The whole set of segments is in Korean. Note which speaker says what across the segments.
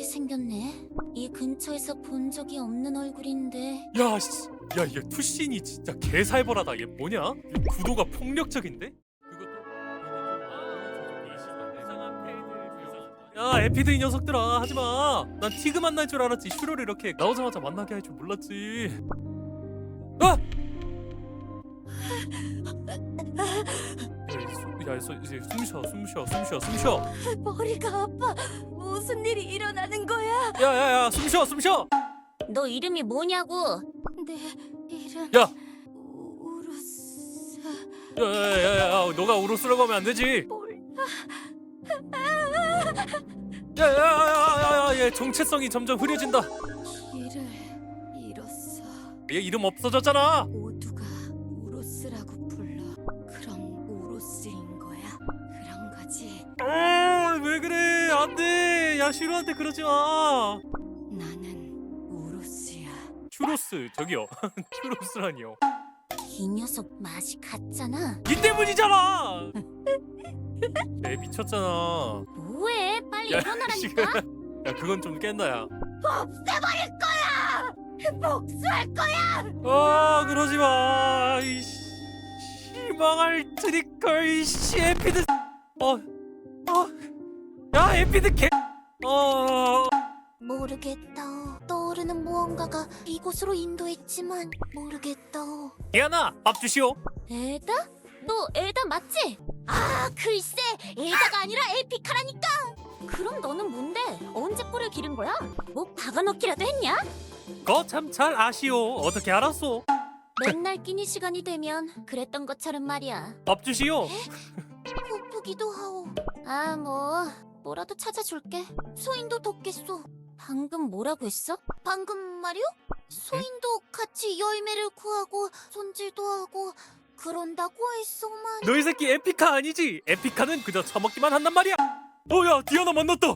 Speaker 1: 생겼네. 이 근처에서 본 적이 없는 얼굴인데.
Speaker 2: 야, 씨. 야, 얘 투신이 진짜 개살벌하다. 얘 뭐냐? 구도가 폭력적인데? 야, 에피드 이 녀석들아, 하지마. 난 티그 만날 줄 알았지. 슈로를 이렇게 나오자마자 만나게 할 줄 몰랐지. 아! 이제 숨 쉬어.
Speaker 1: 머리가 아파. 무슨 일이 일어나는 거야?
Speaker 2: 야, 숨 쉬어.
Speaker 1: 너 이름이 뭐냐고? 내 이름
Speaker 2: 야,
Speaker 1: 우루스.
Speaker 2: 야, 너가 우로스라고 하면 안 되지.
Speaker 1: 몰라.
Speaker 2: 얘 정체성이 점점 흐려진다.
Speaker 1: 길을 잃었어.
Speaker 2: 얘 이름 없어졌잖아.
Speaker 1: 모두가 우로스라고 불러. 그럼 우로스인 거야? 그런 거지.
Speaker 2: 왜 그래? 안 돼. 야, 슈로한테 그러지 마.
Speaker 1: 나는 우로스야.
Speaker 2: 슈로스, 저기요. 슈로스라니요.
Speaker 1: 이 녀석 맛이 갔잖아.
Speaker 2: 니 때문이잖아. 애 미쳤잖아.
Speaker 1: 뭐해? 빨리
Speaker 2: 야,
Speaker 1: 일어나라니까.
Speaker 2: 야, 그건 좀 깬다, 야.
Speaker 1: 없애버릴 거야. 복수할 거야.
Speaker 2: 그러지 마. 망할 트리커, 이씨, 에피드. 야, 에피드 개.
Speaker 1: 모르겠다. 떠오르는 무언가가 이곳으로 인도했지만 모르겠다.
Speaker 2: 디아나, 밥 주시오.
Speaker 1: 에다? 너 에다 맞지? 아, 글쎄, 에다가 아니라 에피카라니까. 그럼 너는 뭔데? 언제 뿔을 기른 거야? 뭐 박아넣기라도 했냐?
Speaker 2: 거 참 잘 아시오. 어떻게 알았소?
Speaker 1: 맨날 끼니 시간이 되면 그랬던 것처럼 말이야.
Speaker 2: 밥 주시오.
Speaker 1: 고프기도 하오. 뭐라도 찾아줄게. 소인도 돕겠소. 방금 뭐라고 했어? 방금 말이요? 소인도 같이 열매를 구하고 손질도 하고 그런다고 했소만.
Speaker 2: 너희 새끼 에피카 아니지? 에피카는 그저 처먹기만 한단 말이야. 야, 디아나 만났다.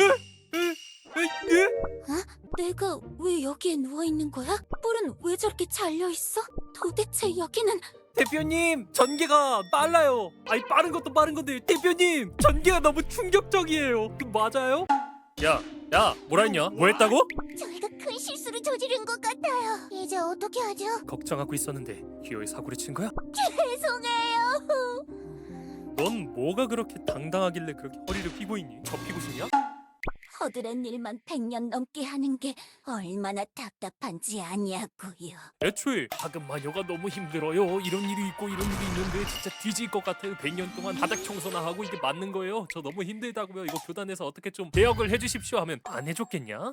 Speaker 1: 내가 왜 여기에 누워있는 거야? 뿔은 왜 저렇게 잘려있어? 도대체 여기는...
Speaker 2: 대표님, 전개가 빨라요. 아니, 빠른 것도 빠른 건데 대표님, 전개가 너무 충격적이에요. 맞아요? 야, 뭐라 했냐? 뭐 했다고?
Speaker 1: 저희가 큰 실수를 저지른 것 같아요. 이제 어떻게 하죠?
Speaker 2: 걱정하고 있었는데 기어이 사고를 친 거야?
Speaker 1: 죄송해요.
Speaker 2: 넌 뭐가 그렇게 당당하길래 그렇게 허리를 휘고 있니? 접히고 싶냐?
Speaker 1: 허드렛 일만 100년 넘게 하는 게 얼마나 답답한지 아냐고요.
Speaker 2: 애초에 하급 마녀가 너무 힘들어요. 이런 일이 있고 이런 일이 있는데 진짜 뒤질 것 같아요. 100년 동안 바닥 청소나 하고 이게 맞는 거예요. 저 너무 힘들다고요. 이거 교단에서 어떻게 좀 개혁을 해주십시오 하면 안 해줬겠냐?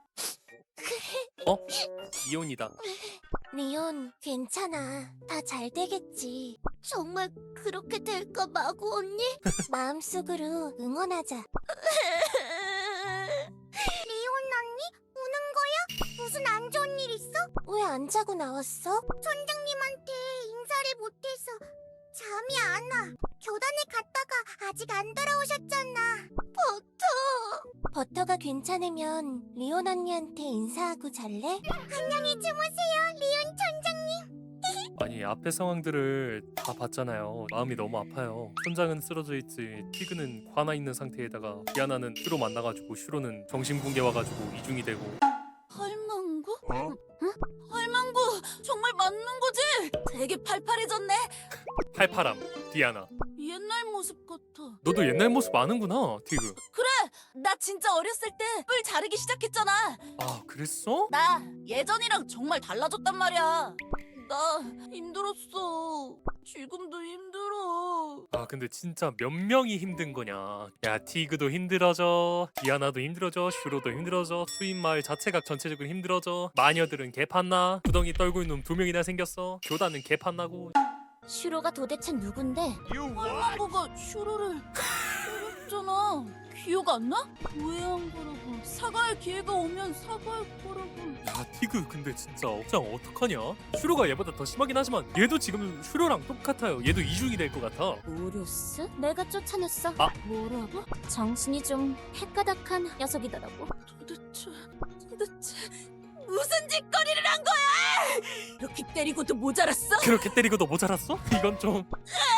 Speaker 2: 이혼이다.
Speaker 1: 리온, 괜찮아. 다 잘 되겠지. 정말 그렇게 될까 마구 언니? 마음속으로 응원하자. 리온 언니? 우는 거야? 무슨 안 좋은 일 있어? 왜 안 자고 나왔어? 선장님한테 인사를 못해서 잠이 안 와. 교단에 갔다가 아직 안 돌아오셨잖아. 버터가 괜찮으면 리온 언니한테 인사하고 잘래? 안녕히 주무세요, 리온 천장님.
Speaker 2: 아니, 앞에 상황들을 다 봤잖아요. 마음이 너무 아파요. 손장은 쓰러져 있지, 티그는 화나 있는 상태에다가 디아나는 슈로 만나가지고 슈로는 정신붕괴 와가지고 이중이 되고.
Speaker 1: 할망구? 응? 할망구 정말 맞는 거지? 되게 팔팔해졌네.
Speaker 2: 팔팔함, 디아나.
Speaker 1: 옛날 모습 같아.
Speaker 2: 너도 옛날 모습 아는구나, 티그.
Speaker 1: 그래, 나 진짜 어렸을 때 뿔 자르기 시작했잖아.
Speaker 2: 아, 그랬어?
Speaker 1: 나 예전이랑 정말 달라졌단 말이야. 나 힘들었어. 지금도 힘들어.
Speaker 2: 아, 근데 진짜 몇 명이 힘든 거냐. 야, 티그도 힘들어져, 디아나도 힘들어져, 슈로도 힘들어져, 수인마을 자체가 전체적으로 힘들어져. 마녀들은 개판나. 구덩이 떨고 있는 놈 2명이나 생겼어. 교단은 개판나고.
Speaker 1: 슈로가 도대체 누군데? 할망구가 슈로를 때렸잖아. 기억 안 나? 왜 한 거라고. 사과할 기회가 오면 사과할 거라고.
Speaker 2: 야, 티그 근데 진짜 억장 어떡하냐? 슈로가 얘보다 더 심하긴 하지만 얘도 지금 슈로랑 똑같아요. 얘도 이중이 될 것 같아.
Speaker 1: 우루스? 내가 쫓아냈어.
Speaker 2: 아.
Speaker 1: 뭐라고? 정신이 좀 헷가닥한 녀석이더라고. 도대체 무슨 짓거리를 한 거야? 이렇게 때리고도 모자랐어?
Speaker 2: 그렇게 때리고도 모자랐어? 이건 좀...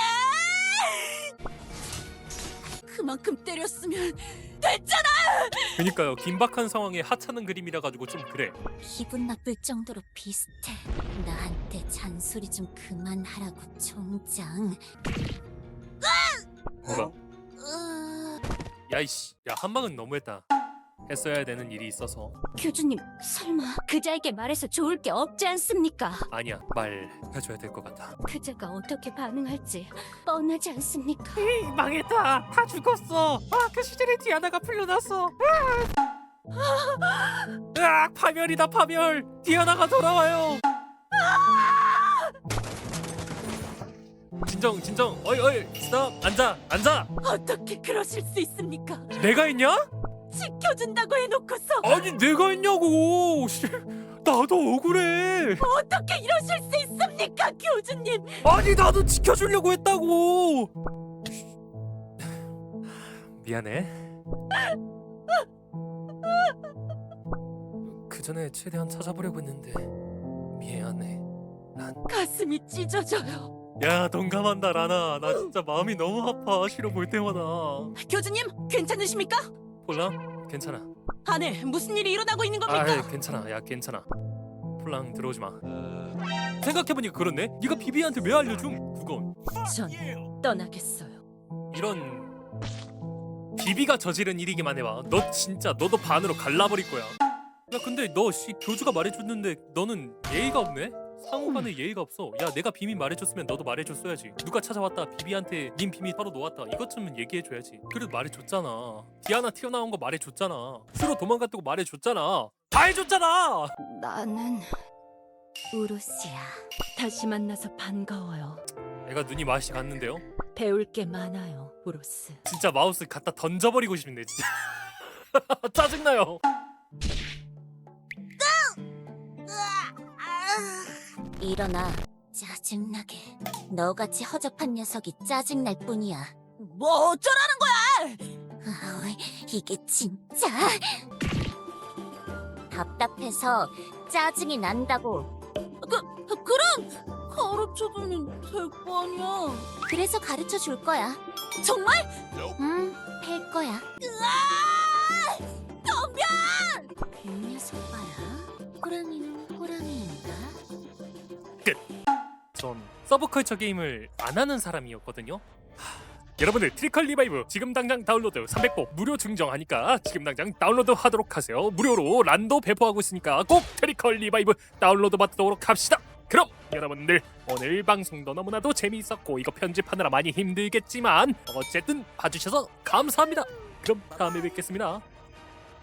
Speaker 1: 그만큼 때렸으면 됐잖아!
Speaker 2: 그니까요. 긴박한 상황에 하찮은 그림이라 가지고 좀 그래.
Speaker 1: 기분 나쁠 정도로 비슷해. 나한테 잔소리 좀 그만하라고 총장.
Speaker 2: 뭐가? 야이씨, 야 한방은 너무했다. 했어야 되는 일이 있어서.
Speaker 1: 교주님, 설마 그자에게 말해서 좋을 게 없지 않습니까?
Speaker 2: 아니야, 말해줘야 될 것 같아.
Speaker 1: 그자가 어떻게 반응할지 뻔하지 않습니까?
Speaker 2: 망했다. 다 죽었어. 그 시절에 디아나가 풀려났어. 파멸이다 파멸. 디아나가 돌아와요. 진정. 어이 스탑. 앉아.
Speaker 1: 어떻게 그러실 수 있습니까?
Speaker 2: 내가 했냐?
Speaker 1: 지켜준다고 해놓고서
Speaker 2: 아니 내가 했냐고. 씨, 나도 억울해.
Speaker 1: 어떻게 이러실 수 있습니까, 교주님?
Speaker 2: 아니 나도 지켜주려고 했다고. 미안해. 그 전에 최대한 찾아보려고 했는데 미안해.
Speaker 1: 가슴이 찢어져요.
Speaker 2: 야 동감한다 라나. 나 진짜 마음이 너무 아파. 싫어 볼 때마다.
Speaker 1: 교주님, 괜찮으십니까?
Speaker 2: 폴랑 괜찮아.
Speaker 1: 안에 무슨 일이 일어나고 있는
Speaker 2: 괜찮아. 야 괜찮아. 폴랑 들어오지 마. 생각해보니까 그렇네. 네가 비비한테 왜 알려줌? 그건
Speaker 1: 전 떠나겠어요.
Speaker 2: 이런 비비가 저지른 일이기만 해봐. 너 진짜 너도 반으로 갈라버릴 거야. 야 근데 너 교주가 말해줬는데 너는 예의가 없네? 상호간에 예의가 없어. 야 내가 비밀 말해줬으면 너도 말해줬어야지. 누가 찾아왔다 비비한테 님 비밀 바로 놓았다 이것쯤은 얘기해줘야지. 그래도 말해줬잖아. 디아나 튀어나온 거 말해줬잖아. 슈로 도망갔다고 말해줬잖아. 다 해줬잖아.
Speaker 1: 나는 우루시야. 다시 만나서 반가워요.
Speaker 2: 애가 눈이 맛이 갔는데요?
Speaker 1: 배울 게 많아요, 우루스.
Speaker 2: 진짜 마우스 갖다 던져버리고 싶네 진짜. 짜증나요.
Speaker 1: 일어나. 짜증나게. 너같이 허접한 녀석이 짜증날 뿐이야. 뭐 어쩌라는 거야? 이게 진짜 답답해서 짜증이 난다고. 그럼 가르쳐주면 될 거 아니야. 그래서 가르쳐 줄 거야. 정말? 팰 거야. 덤벼! 이 녀석 봐라. 호랑이는 호랑이인가?
Speaker 2: 전 서브컬처 게임을 안 하는 사람이었거든요. 여러분들 트리컬 리바이브 지금 당장 다운로드 300보 무료 증정하니까 지금 당장 다운로드 하도록 하세요. 무료로 란도 배포하고 있으니까 꼭 트리컬 리바이브 다운로드 받도록 합시다. 그럼 여러분들 오늘 방송도 너무나도 재미있었고 이거 편집하느라 많이 힘들겠지만 어쨌든 봐주셔서 감사합니다. 그럼 다음에 뵙겠습니다.